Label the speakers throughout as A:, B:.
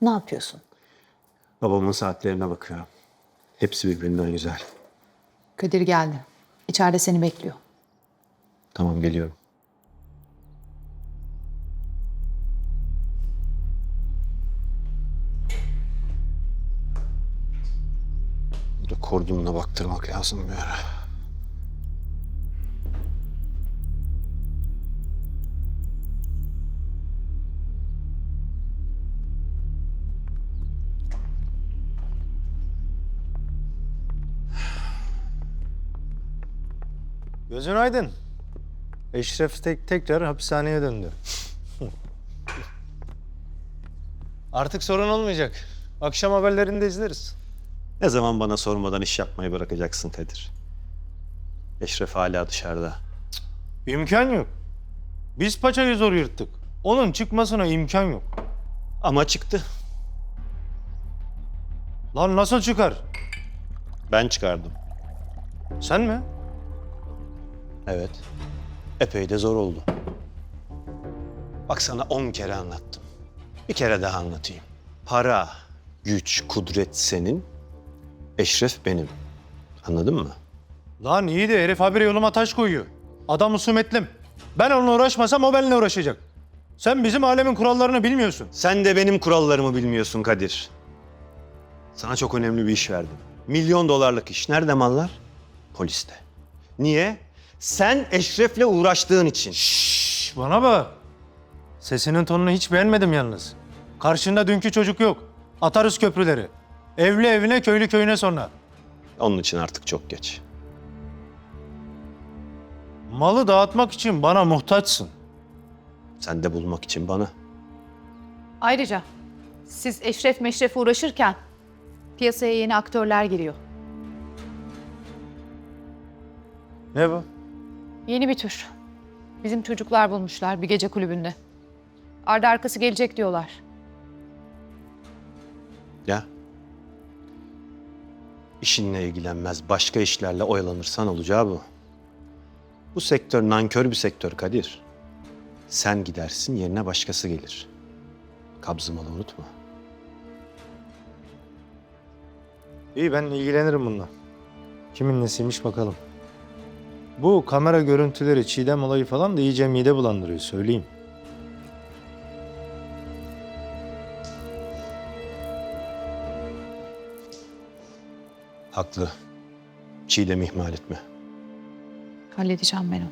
A: Ne yapıyorsun?
B: Babamın saatlerine bakıyorum. Hepsi birbirinden güzel.
A: Kadir geldi. İçeride seni bekliyor.
B: Tamam, geliyorum. Burada kordonuna baktırmak lazım bir ara.
C: Gözün aydın. Eşref tekrar hapishaneye döndü. Artık sorun olmayacak. Akşam haberlerinde izleriz.
B: Ne zaman bana sormadan iş yapmayı bırakacaksın Kadir? Eşref hala dışarıda.
C: İmkan yok. Biz paçayı zor yırttık. Onun çıkmasına imkan yok.
B: Ama çıktı.
C: Lan nasıl çıkar?
B: Ben çıkardım.
C: Sen mi?
B: Evet. Epey de zor oldu. Bak, sana 10 kere anlattım. Bir kere daha anlatayım. Para, güç, kudret senin. Eşref benim. Anladın mı?
C: Lan iyi de herif habire yoluma taş koyuyor. Adam husumetlim. Ben onunla uğraşmasam o benimle uğraşacak. Sen bizim alemin kurallarını bilmiyorsun.
B: Sen de benim kurallarımı bilmiyorsun Kadir. Sana çok önemli bir iş verdim. $1 milyon iş. Nerede mallar? Poliste. Niye? Sen Eşref'le uğraştığın için.
C: Şşş, bana bak. Sesinin tonunu hiç beğenmedim yalnız. Karşında dünkü çocuk yok. Atarız köprüleri. Evli evine, köylü köyüne sonra.
B: Onun için artık çok geç.
C: Malı dağıtmak için bana muhtaçsın.
B: Sen de bulmak için bana.
A: Ayrıca siz Eşref Meşref uğraşırken piyasaya yeni aktörler giriyor.
C: Ne bu?
A: Yeni bir tür. Bizim çocuklar bulmuşlar bir gece kulübünde. Ardı arkası gelecek diyorlar.
B: Ya. İşinle ilgilenmez, başka işlerle oyalanırsan olacağı bu. Bu sektör nankör bir sektör Kadir. Sen gidersin, yerine başkası gelir. Kabzımalı unutma.
C: İyi, ben ilgilenirim bununla. Kimin nesiymiş bakalım. Bu kamera görüntüleri, Çiğdem olayı falan da iyice mide bulandırıyor, söyleyeyim.
B: Haklı. Çiğdem'i ihmal etme.
A: Halledeceğim ben onu.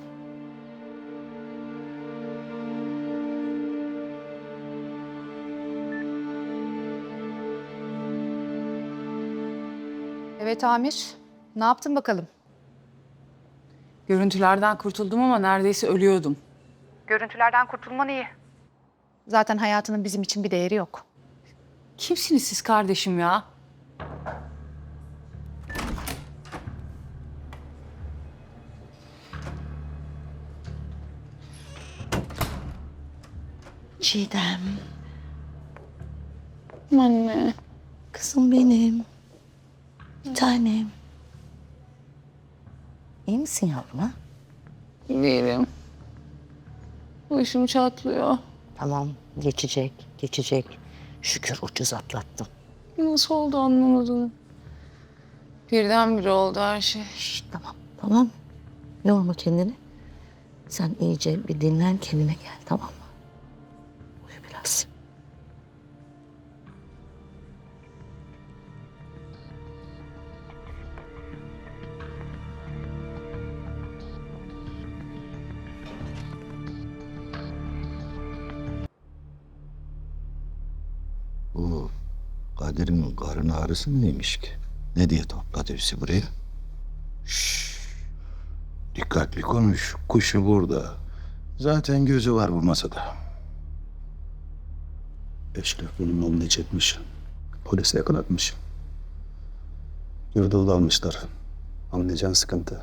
A: Evet Amir, ne yaptın bakalım?
D: Görüntülerden kurtuldum ama neredeyse ölüyordum.
A: Görüntülerden kurtulman iyi. Zaten hayatının bizim için bir değeri yok.
D: Kimsiniz siz kardeşim ya?
E: Çiğdem,
D: Anne.
E: kızım benim. Bir tanem. İyi misin yavrum ha?
D: Değilim. Başım çatlıyor.
E: Tamam, geçecek, geçecek. Şükür ucuz atlattım.
D: Nasıl oldu anlamadım. Birdenbire oldu her şey.
E: Şişt, tamam, tamam. Yorma kendini. Sen iyice bir dinlen, kendine gel, tamam mı? Uyu biraz.
F: Bu Kadir'in karın ağrısı neymiş ki? Ne diye topladı bizi buraya? Şşş. Dikkatli konuş. Kuşu burada. Zaten gözü var bu masada. Eşref bunun malını çekmiş. Polise yakalatmış. Yurdalı almışlar. Anlayacağın sıkıntı.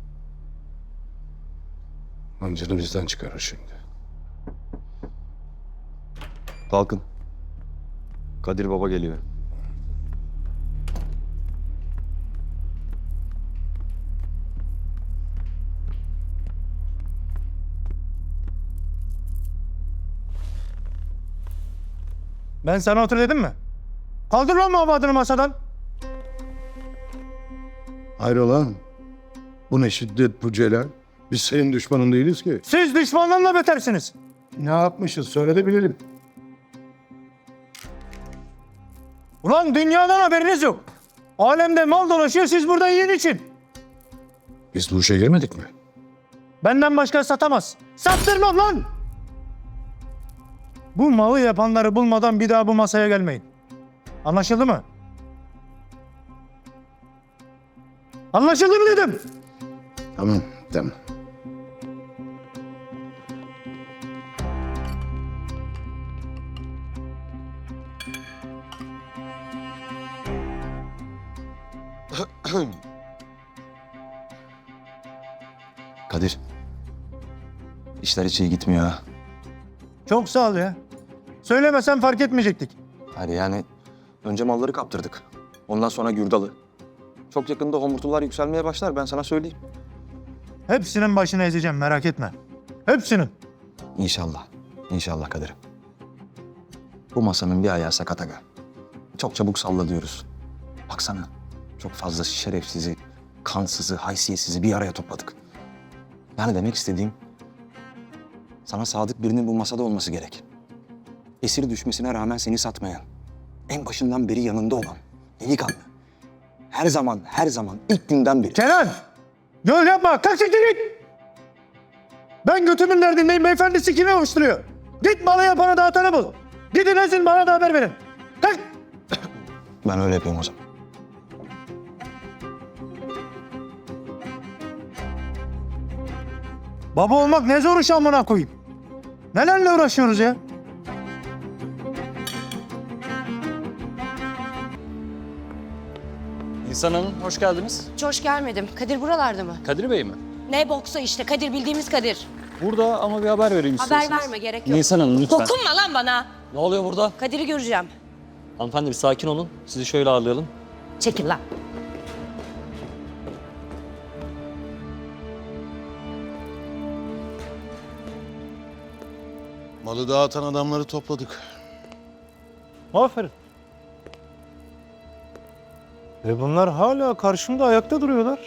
F: Amcanı bizden çıkarır şimdi.
B: Kalkın. Kadir Baba geliyor.
C: Ben sana otur dedim mi? Kaldır lan muhabbetini masadan.
F: Hayrola? Bu ne şiddet bu Celal? Biz senin düşmanın değiliz ki.
C: Siz düşmanlarla betersiniz.
F: Ne yapmışız söyle de bilelim.
C: Ulan dünyadan haberiniz yok. Alemde mal dolaşıyor, siz burada yiyin için.
F: Biz bu işe girmedik mi?
C: Benden başka satamaz. Sattırmam lan! Bu malı yapanları bulmadan bir daha bu masaya gelmeyin. Anlaşıldı mı? Anlaşıldı mı dedim?
F: Tamam, tamam.
G: Kadir. İşler hiç iyi gitmiyor ha.
C: Çok sağ ol ya. Söylemesen fark etmeyecektik.
G: Hayır yani önce malları kaptırdık. Ondan sonra Gürdal'ı. Çok yakında homurtular yükselmeye başlar ben sana söyleyeyim.
C: Hepsinin başını ezeceğim, merak etme. Hepsinin.
G: İnşallah. İnşallah Kadir. Bu masanın bir ayağı sakat aga. Çok çabuk salla diyoruz. Baksana çok fazla şerefsizi, kansızı, haysiyetsizi bir araya topladık. Yani demek istediğim sana sadık birinin bu masada olması gerek. Esir düşmesine rağmen seni satmayan, en başından beri yanında olan, delikanlı. Her zaman ilk günden beri.
C: Kenan! Yol yapma, kalk siktir git! Ben götümün derdindeyim, beyefendisi kimi avuşturuyor? Git malı yapana dağıtanı bul. Gidin ezin, bana da haber verin. Kalk!
G: Ben öyle yapıyorum o zaman.
C: Baba olmak ne zor iş amına koyayım. Nelerle uğraşıyoruz ya?
H: İnsan Hanım, hoş geldiniz.
I: Hiç hoş gelmedim. Kadir buralarda mı?
H: Kadir Bey mi?
I: Ne boksa işte. Kadir bildiğimiz Kadir.
H: Burada ama bir haber vereyim
I: Haber
H: istiyorsanız.
I: verme, gerek yok.
H: Nisan Hanım lütfen.
I: Dokunma lan bana.
H: Ne oluyor burada?
I: Kadir'i göreceğim.
H: Hanımefendi bir sakin olun. Sizi şöyle ağırlayalım.
I: Çekil lan.
F: Malı dağıtan adamları topladık.
C: Aferin. Ve bunlar hala karşımda ayakta duruyorlar.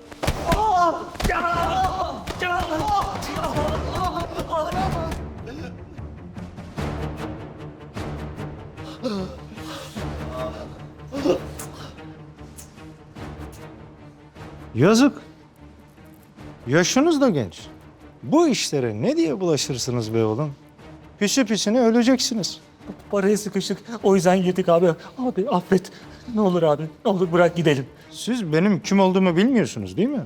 C: Yazık. Yaşınız da genç. Bu işlere ne diye bulaşırsınız be oğlum? Pisi pisine öleceksiniz.
J: Paraya sıkıştık. O yüzden yedik abi. Abi affet. Ne olur abi. Ne olur bırak gidelim.
C: Siz benim kim olduğumu bilmiyorsunuz değil mi?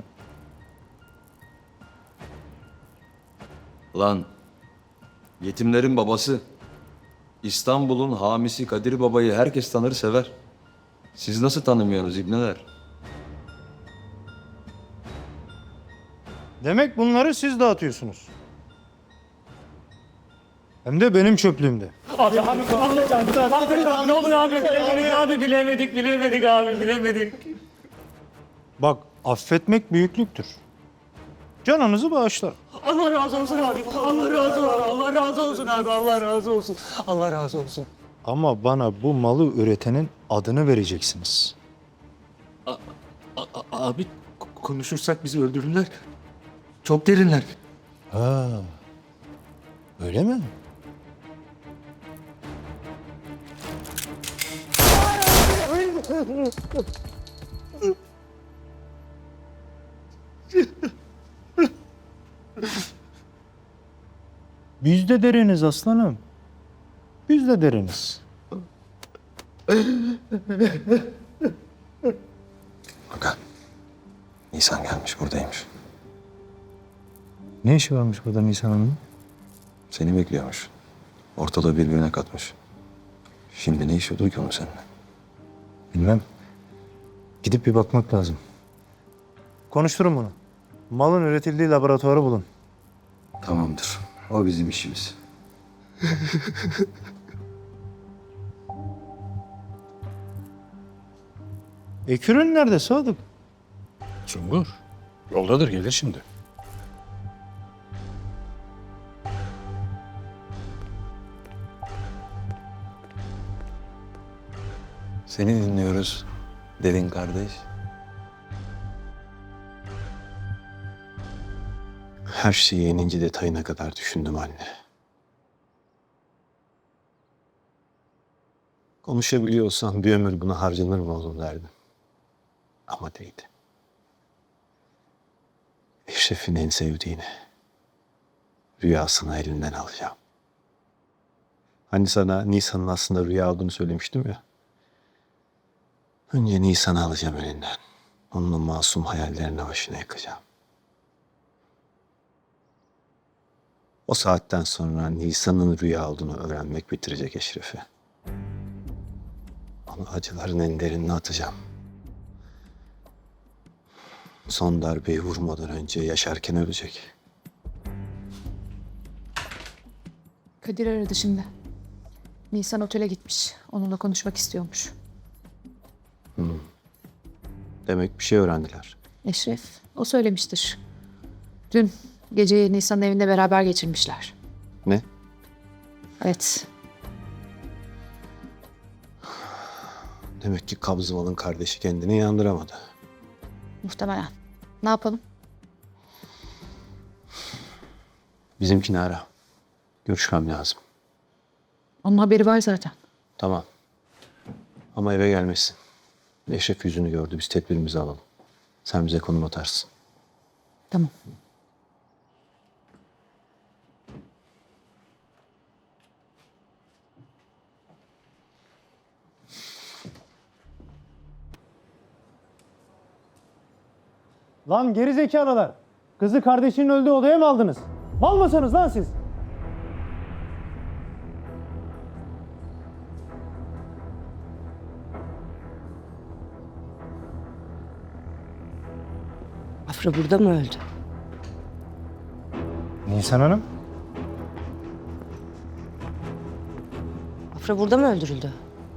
K: Lan yetimlerin babası, İstanbul'un hamisi Kadir Baba'yı herkes tanır sever. Siz nasıl tanımıyorsunuz ibneler?
C: Demek bunları siz dağıtıyorsunuz. Hem de benim çöplüğümde.
J: Abi ne olur abi. Bilemedik abi bilemedik.
C: Bak, affetmek büyüklüktür. Canınızı bağışlar.
J: Allah razı olsun abi. Allah razı olsun. Allah razı olsun abi. Allah razı olsun. Allah razı olsun.
C: Ama bana bu malı üretenin adını vereceksiniz.
J: Abi konuşursak bizi öldürürler. Çok derinler.
C: Ha, öyle mi? Biz de deriniz aslanım. Biz de deriniz.
G: Aga, Nisan gelmiş buradaymış.
C: Ne işi varmış burada Nisan Hanım'ın?
G: Seni bekliyormuş. Ortalığı birbirine katmış. Şimdi ne işi olur ki onun seninle?
C: Bilmem. Gidip bir bakmak lazım. Konuşturun bunu. Malın üretildiği laboratuvarı bulun.
G: Tamamdır. O bizim işimiz.
C: Ekürün nerede Sadık?
F: Sungur, yoldadır gelir şimdi.
G: Seni dinliyoruz derin kardeş.
B: Her şeyi en ince detayına kadar düşündüm anne. Konuşabiliyorsam bir ömür buna harcanır mı oğlum derdim. Ama değdi. Eşref'in en sevdiğini, rüyasını elinden alacağım. Hani sana Nisan'ın aslında rüya olduğunu söylemiştim ya. Önce Nisan'ı alacağım elinden. Onun o masum hayallerine başına yakacağım. O saatten sonra Nisan'ın rüya olduğunu öğrenmek bitirecek Eşref'i. Onu acıların en derinine atacağım. Son darbeyi vurmadan önce yaşarken ölecek.
A: Kadir aradı şimdi. Nisan otele gitmiş. Onunla konuşmak istiyormuş.
B: Demek bir şey öğrendiler.
A: Eşref, o söylemiştir. Dün geceyi Nisan'ın evinde beraber geçirmişler.
B: Ne?
A: Evet,
B: Demek ki Kabzımal'ın kardeşi kendini inandıramadı.
A: muhtemelen. Ne yapalım?
B: Bizimkini ara. Görüşmem lazım.
A: Onun haberi var zaten.
B: Tamam. Ama eve gelmesin. Eşref yüzünü gördü. Biz tedbirimizi alalım. Sen bize konum atarsın.
A: Tamam.
C: Lan geri zekalılar. Kızı kardeşinin öldüğü odaya mı aldınız? Mal mısınız lan siz?
I: Afra burada mı öldü?
C: Nisan Hanım?
I: Afra burada mı öldürüldü?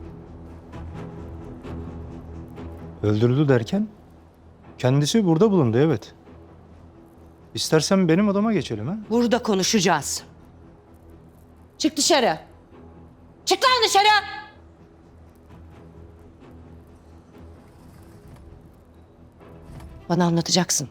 C: Öldürüldü derken? Kendisi burada bulundu, evet. İstersen benim odama geçelim ha?
I: Burada konuşacağız. Çık dışarı. Çık lan dışarı. Bana anlatacaksın.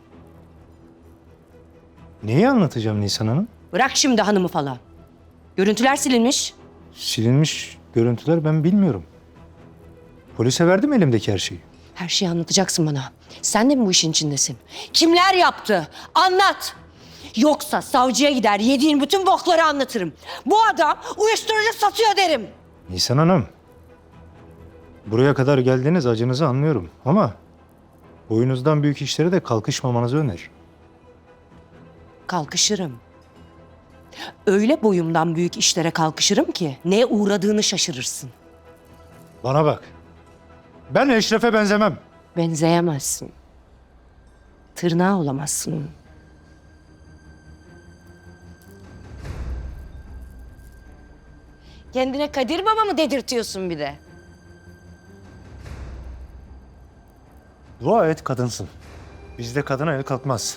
C: Neyi anlatacağım Nisan Hanım?
I: Bırak şimdi hanımı falan. Görüntüler silinmiş.
C: Silinmiş görüntüler ben bilmiyorum. Polise verdim elimdeki her şeyi.
I: Her şeyi anlatacaksın bana. Sen de mi bu işin içindesin? Kimler yaptı? Anlat. Yoksa savcıya gider yediğin bütün bokları anlatırım. Bu adam uyuşturucu satıyor derim.
C: Nisan Hanım. Buraya kadar geldiğiniz acınızı anlıyorum ama boyunuzdan büyük işlere de kalkışmamanızı öneririm.
I: Kalkışırım. Öyle boyumdan büyük işlere kalkışırım ki neye uğradığını şaşırırsın.
C: Bana bak. Ben Eşref'e benzemem.
I: Benzeyemezsin. Tırnağı olamazsın onun. Kendine Kadir Baba mı dedirtiyorsun bir de?
C: Dua et kadınsın. Bizde kadına el kalkmaz.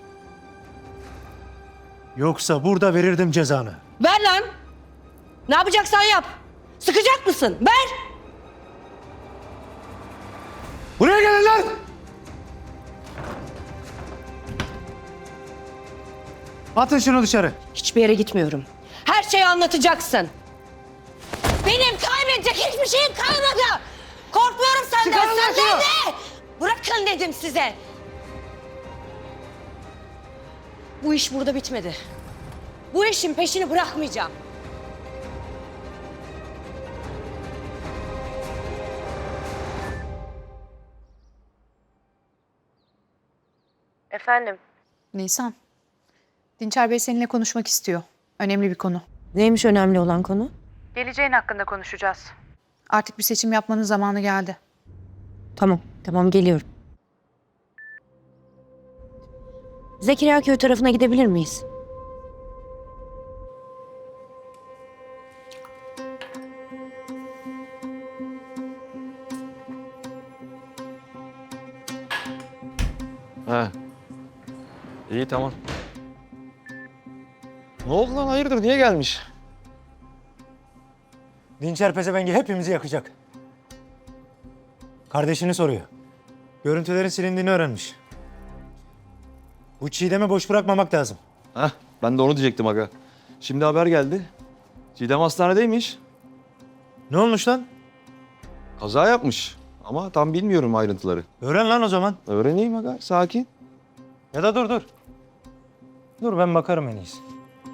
C: Yoksa burada verirdim cezanı.
I: Ver lan! Ne yapacaksan yap. Sıkacak mısın? Ver!
C: Buraya gelin lan! Atın şunu dışarı.
I: Hiçbir yere gitmiyorum. Her şeyi anlatacaksın. Benim kaybedecek hiçbir şeyim kalmadı. Korkmuyorum senden.
C: Çıkarın lan
I: Senden
C: şunu!
I: de! Bırakın dedim size. Bu iş burada bitmedi. Bu işin peşini bırakmayacağım. Efendim?
A: Nisan, Dinçer Bey seninle konuşmak istiyor. Önemli bir konu.
I: Neymiş önemli olan konu?
A: Geleceğin hakkında konuşacağız. Artık bir seçim yapmanın zamanı geldi.
I: Tamam geliyorum. Zekeriya Köy tarafına gidebilir miyiz?
K: He. İyi tamam. Ne oldu lan hayırdır niye gelmiş?
C: Dinçer pezevengi hepimizi yakacak. Kardeşini soruyor. Görüntülerin silindiğini öğrenmiş. Bu Çiğdem'i boş bırakmamak lazım.
K: Heh, ben de onu diyecektim aga. Şimdi haber geldi. Çiğdem hastanedeymiş.
C: Ne olmuş lan?
K: Kaza yapmış. Ama tam bilmiyorum ayrıntıları.
C: Öğren lan o zaman.
K: Öğreneyim aga, sakin.
C: Ya da dur. Dur ben bakarım en iyisi.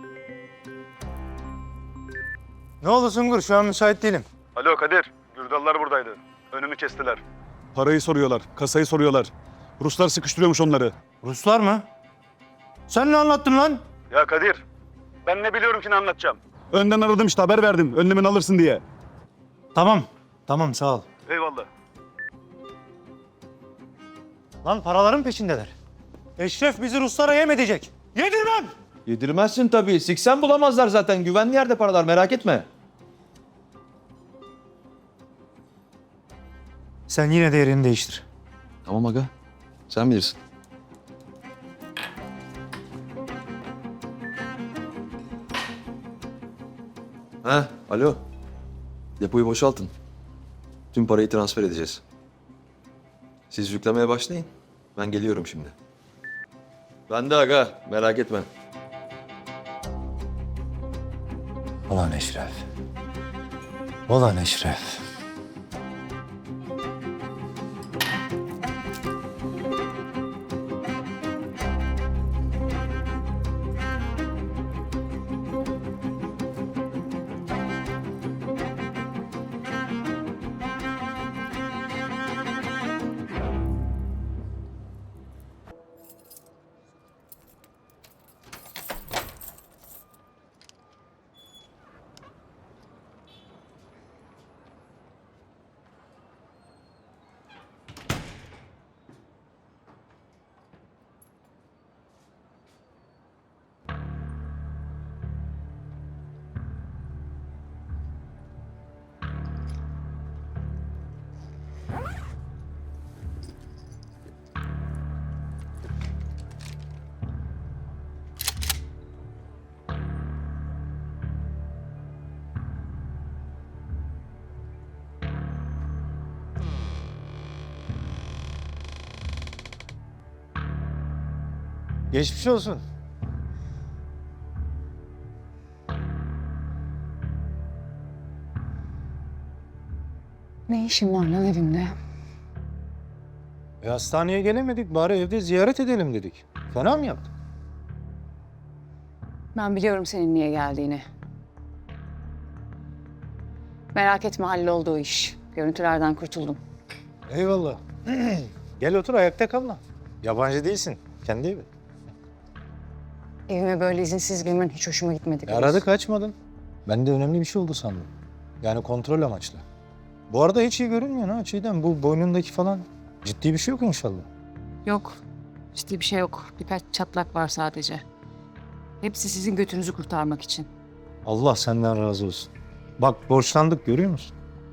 C: Ne oldu Sungur? Şu an müsait değilim.
L: Alo Kadir, Gürdallar buradaydı. Önümü kestiler.
M: Parayı soruyorlar, kasayı soruyorlar. Ruslar sıkıştırıyormuş onları.
C: Ruslar mı? Sen ne anlattın lan?
L: Ya Kadir, ben ne biliyorum ki ne anlatacağım?
M: Önden aradım işte, haber verdim. Önlemini alırsın diye.
C: Tamam sağ ol.
L: Eyvallah.
C: Lan paraların peşindeler. Eşref bizi Ruslara yem edecek. Yedirmem!
K: Yedirmezsin tabii. Siksen bulamazlar zaten. Güvenli yerde paralar, merak etme.
C: Sen yine de yerini değiştir.
K: Tamam aga. Sen bilirsin. Alo. Depoyu boşaltın. Tüm parayı transfer edeceğiz. Siz yüklemeye başlayın. Ben geliyorum şimdi. Ben de aga. Merak etme.
C: Ulan Eşref. Ulan Eşref. Geçmiş olsun.
D: Ne işin var lan evimde?
C: Hastaneye gelemedik. Bari evde ziyaret edelim dedik. Fena mı yaptık?
D: Ben biliyorum senin niye geldiğini. Merak etme halloldu o iş. Görüntülerden kurtuldum.
C: Eyvallah. Gel otur ayakta kalma. Yabancı değilsin. Kendi evi.
D: Evime böyle izinsiz girmen hiç hoşuma gitmedi.
C: Aradı kaçmadın. Ben de önemli bir şey oldu sandım. Yani kontrol amaçlı. Bu arada hiç iyi görünmüyor ha Çiğdem. Bu boynundaki falan ciddi bir şey yok inşallah.
D: Yok. Ciddi bir şey yok. Birkaç çatlak var sadece. Hepsi sizin götünüzü kurtarmak için.
C: Allah senden razı olsun. Bak borçlandık görüyor musun?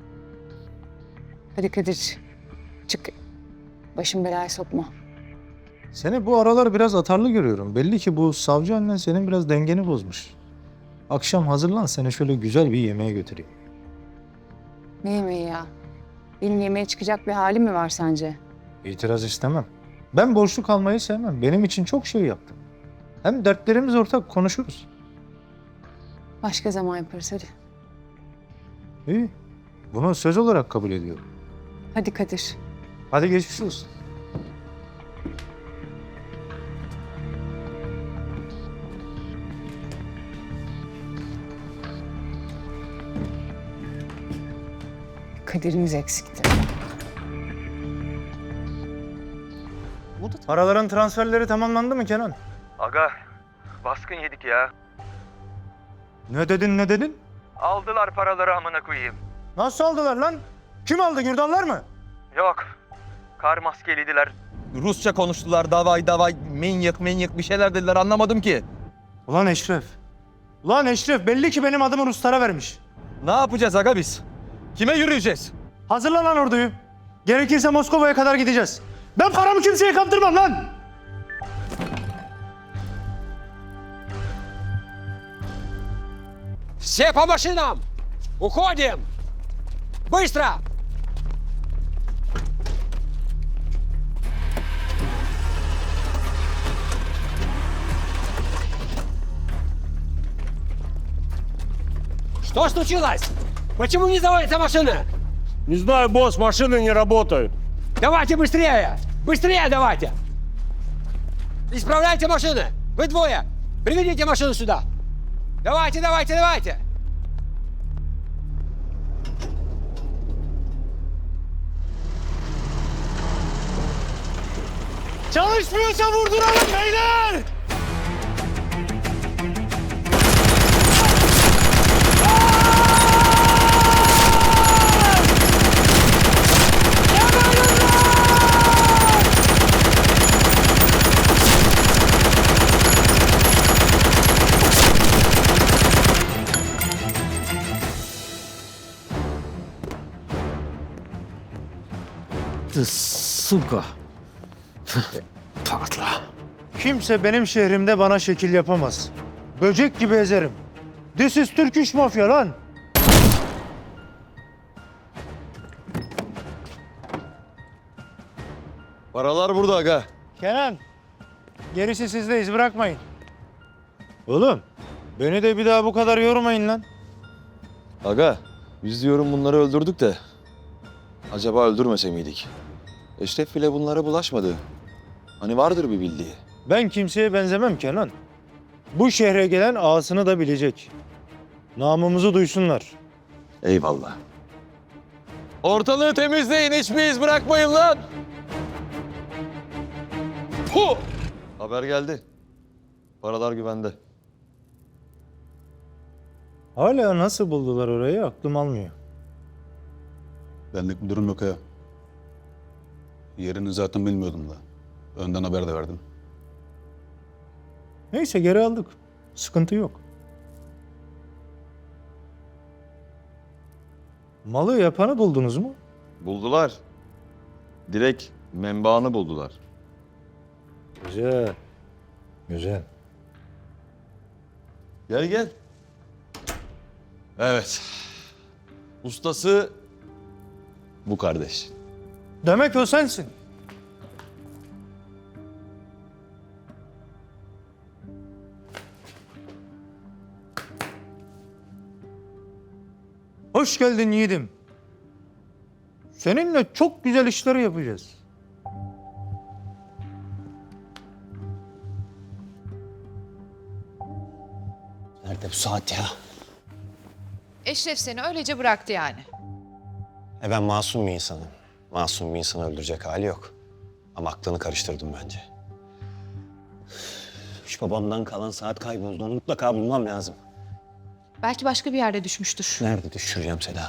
D: Hadi Kadir. Çık. Başım belaya sokma.
C: Seni bu aralar biraz atarlı görüyorum. Belli ki bu savcı annen senin biraz dengeni bozmuş. Akşam hazırlan seni şöyle güzel bir yemeğe götüreyim.
D: Ne yemeği ya? Benim yemeğe çıkacak bir halim mi var sence?
C: İtiraz istemem. Ben borçlu kalmayı sevmem. Benim için çok şey yaptın. Hem dertlerimiz ortak konuşuruz.
D: Başka zaman yaparız hadi.
C: İyi. Bunu söz olarak kabul ediyorum.
D: Hadi Kadir.
C: Hadi geçmiş olsun.
D: Kadirimiz eksikti.
C: Paraların transferleri tamamlandı mı Kenan?
L: Aga, baskın yedik ya.
C: Ne dedin?
L: Aldılar paraları amına koyayım.
C: Nasıl aldılar lan? Kim aldı? Gürdallar mı?
L: Yok, kar maskeliydiler.
K: Rusça konuştular. Davay, menyak bir şeyler dediler. Anlamadım ki.
C: Ulan Eşref belli ki benim adımı Ruslara vermiş.
K: Ne yapacağız aga biz? Kime yürüyeceğiz?
C: Hazırla lan orduyu. Gerekirse Moskova'ya kadar gideceğiz. Ben paramı kimseye kaptırmam lan.
N: Все по машинам! Уходим! Быстро!
J: Что случилось? Почему не заводится машина? Не знаю, босс, машины не работают. Давайте быстрее! Быстрее давайте! Исправляйте машины! Вы двое! Приведите машину сюда! Давайте, давайте, давайте! Çalışmıyorsa vurduralım beyler!
C: Suka. Patla. Kimse benim şehrimde bana şekil yapamaz. Böcek gibi ezerim. This is Turkish mafya lan.
K: Paralar burada aga.
C: Kenan, gerisi sizde, iz bırakmayın. Oğlum, beni de bir daha bu kadar yormayın lan.
K: Aga, biz diyorum bunları öldürdük de. Acaba öldürmese miydik? Eşref bile bunlara bulaşmadı. Hani vardır bir bildiği.
C: Ben kimseye benzemem Kenan. Bu şehre gelen ağasını da bilecek. Namımızı duysunlar.
K: Eyvallah. Ortalığı temizleyin, hiçbir iz bırakmayın lan! Hu! Haber geldi. Paralar güvende.
C: Hala nasıl buldular orayı aklım almıyor.
M: Benlik bir durum yok ya. Yerini zaten bilmiyordum da. Önden haber de verdim.
C: Neyse geri aldık. Sıkıntı yok. Malı yapanı buldunuz mu?
K: Buldular. Direkt menbaını buldular.
C: Güzel. Güzel.
K: Gel gel. Evet. Ustası bu kardeş.
C: Demek o sensin. Hoş geldin yiğidim. Seninle çok güzel işler yapacağız.
B: Nerede bu saat ya?
A: Eşref seni öylece bıraktı yani.
B: Ben masum bir insanım. Masum bir insanı öldürecek hali yok. Ama aklını karıştırdım bence. Şu babamdan kalan saat kayboldu. Onu mutlaka bulmam lazım.
A: Belki başka bir yerde düşmüştür.
B: Nerede düşüreceğim Seda?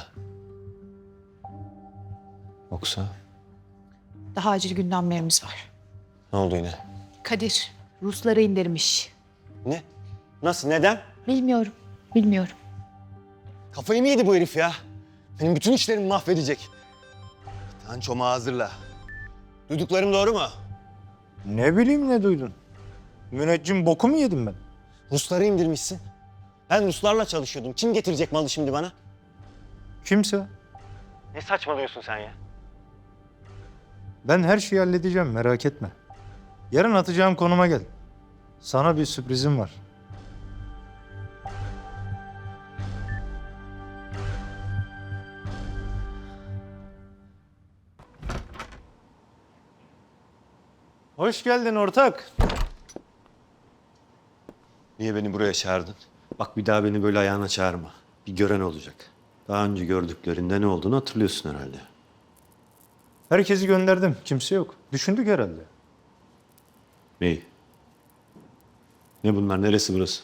B: Yoksa
A: Daha acil gündemlerimiz var.
B: ne oldu yine?
A: Kadir, Rusları indirmiş.
B: Ne? Nasıl? Neden?
A: Bilmiyorum, bilmiyorum.
B: Kafayı mı yedi bu herif ya? Benim bütün işlerimi mahvedecek. Tançomu hazırla. Duyduklarım doğru mu?
C: Ne bileyim ne duydun? Müneccim boku mu yedim ben?
B: Rusları indirmişsin. Ben Ruslarla çalışıyordum. Kim getirecek malı şimdi bana?
C: Kimse.
B: Ne saçmalıyorsun sen ya?
C: Ben her şeyi halledeceğim merak etme. Yarın atacağım konuma gel. Sana bir sürprizim var. Hoş geldin ortak.
B: Niye beni buraya çağırdın? Bak bir daha beni böyle ayağına çağırma. Bir gören olacak. Daha önce gördüklerinde ne olduğunu hatırlıyorsun herhalde.
C: Herkesi gönderdim. Kimse yok. Düşündük herhalde.
B: Neyi? Ne bunlar? Neresi burası?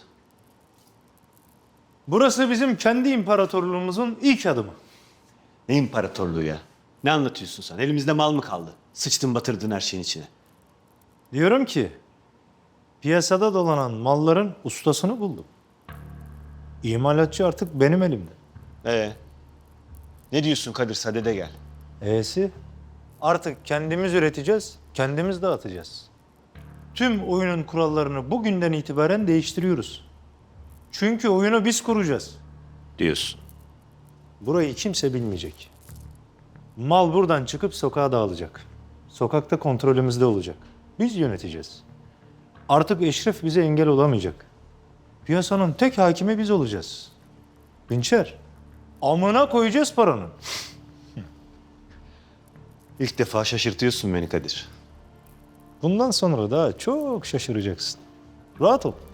C: Burası bizim kendi imparatorluğumuzun ilk adımı.
B: Ne imparatorluğu ya? Ne anlatıyorsun sen? Elimizde mal mı kaldı? Sıçtın batırdın her şeyin içine.
C: Diyorum ki piyasada dolanan malların ustasını buldum. İmalatçı artık benim elimde.
B: Ne diyorsun Kadir? Sadede gel.
C: E'si artık kendimiz üreteceğiz, kendimiz dağıtacağız. Tüm oyunun kurallarını bugünden itibaren değiştiriyoruz. Çünkü oyunu biz kuracağız.
B: Diyorsun.
C: Burayı kimse bilmeyecek. Mal buradan çıkıp sokağa dağılacak. Sokakta kontrolümüzde olacak. Biz yöneteceğiz. Artık Eşref bize engel olamayacak. Piyasanın tek hakimi biz olacağız. Dinçer, amına koyacağız paranın.
B: İlk defa şaşırtıyorsun beni Kadir.
C: Bundan sonra daha çok şaşıracaksın. Rahat ol.